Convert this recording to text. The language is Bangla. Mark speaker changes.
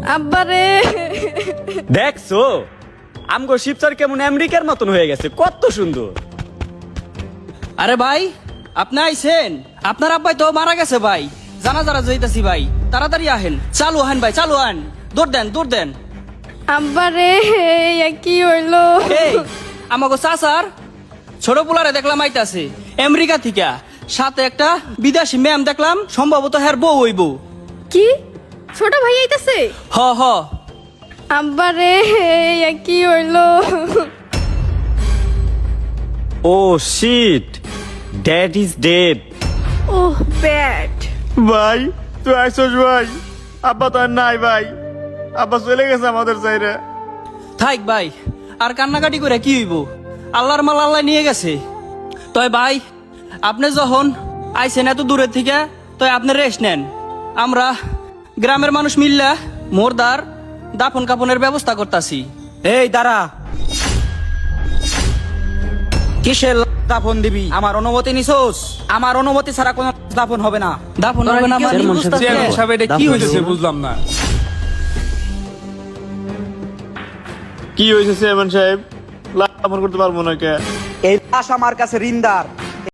Speaker 1: আব্বারে
Speaker 2: দেখছো আমগো শিবচর কেমন আমেরিকার মতন হয়ে গেছে, কত সুন্দর।
Speaker 3: আরে ভাই, আপনি আইছেন? আপনার আব্বাই তো মারা গেছে ভাই। জানা যারা যাইতাছি ভাই, তাড়াতাড়ি আহেন। চালু আহেন ভাই, চালু আহেন। দৌড় দেন, দৌড় দেন।
Speaker 1: আব্বারে এ কি হইলো?
Speaker 3: এই আমাগো চাচার ছোট পোলারে দেখলাম আইতাছে আমেরিকা থেকে, সাথে একটা বিদেশি ম্যাম দেখলাম, সম্ভবত হ্যার বউ হইব।
Speaker 1: কি ছোট ভাই আইতাছে?
Speaker 3: হ হ।
Speaker 1: আব্বারে এ কি হইলো?
Speaker 2: Oh shit, dad is dead.
Speaker 1: Oh bad.
Speaker 4: ভাই তুই আইসস ভাই, আব্বা তো আর নাই ভাই, আব্বা চলে গেছে আমাদের চাইরে।
Speaker 3: থাক ভাই, আর কান্নাকাটি করে কি হইব? আল্লাহর মাল আল্লাহ নিয়ে গেছে। তয় ভাই, আপনি যখন আইছেন এত দূরের থেকে, তয় আপনি রেস্ট নেন। আমরা গ্রামের মানুষ মিললা মোরদার দাফন কাপনের ব্যবস্থা করতাছি।
Speaker 5: এই দাঁড়া, কিসের দাফন দিবি? আমার অনুমতি নিছোস? আমার অনুমতি ছাড়া কোনো দাফন হবে না।
Speaker 3: দাফন হবে না মানে?
Speaker 6: চেয়ারম্যান সাহেব, এটা কি হইতেছে বুঝলাম না।
Speaker 4: কি হয়েছে চেয়ারম্যান সাহেব? লাভ করতে পারবো না কে?
Speaker 5: এই লাশ আমার কাছে ঋণদার।